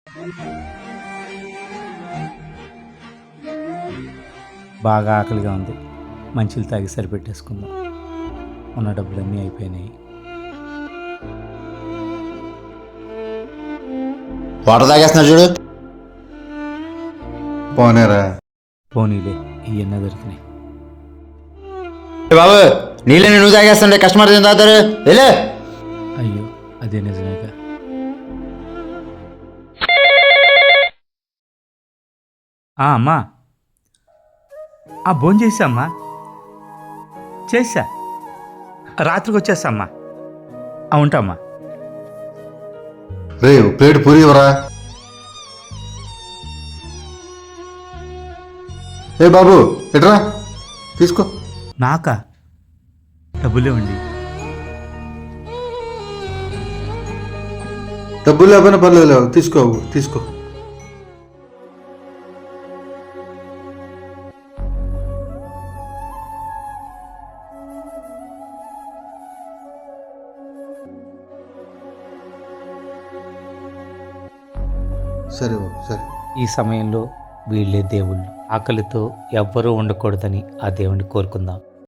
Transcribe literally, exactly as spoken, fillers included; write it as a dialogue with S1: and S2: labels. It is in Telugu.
S1: బాగా ఆకలిగా ఉంది, మంచిలు తాగి సరిపెట్టేసుకుందాం. ఉన్న డబ్బులన్నీ అయిపోయినాయి.
S2: వాటర్ తాగేస్తున్నా చూడు.
S3: పోనేరా.
S1: పోనీలే, ఇవన్నీ దొరికినాయి.
S2: ఏ బాబు, నీళ్ళని నువ్వు తాగేస్తుంటే కస్టమర్ ఏం తాగుతారు? వెళ్ళే.
S1: అయ్యో, అదే నిజమేగా. ఆ, అమ్మా, ఆ భోజనం చేసా అమ్మా, చేసా, రాత్రికి వచ్చేస్తా అమ్మా. ఆ, ఉంటామ్మా.
S3: రే ప్లేట్ పూరి ఇవ్వరా. ఏ బాబు ఎట్రా తీసుకో.
S1: నాకా? డబ్బులు ఇవ్వండి.
S3: డబ్బులు లేకపోయినా పర్లేదు లేవు, తీసుకో తీసుకో. సరే బాబు సరే.
S1: ఈ సమయంలో వీళ్ళే దేవుళ్ళు. ఆకలితో ఎవ్వరూ ఉండకూడదని ఆ దేవుణ్ణి కోరుకుందాం.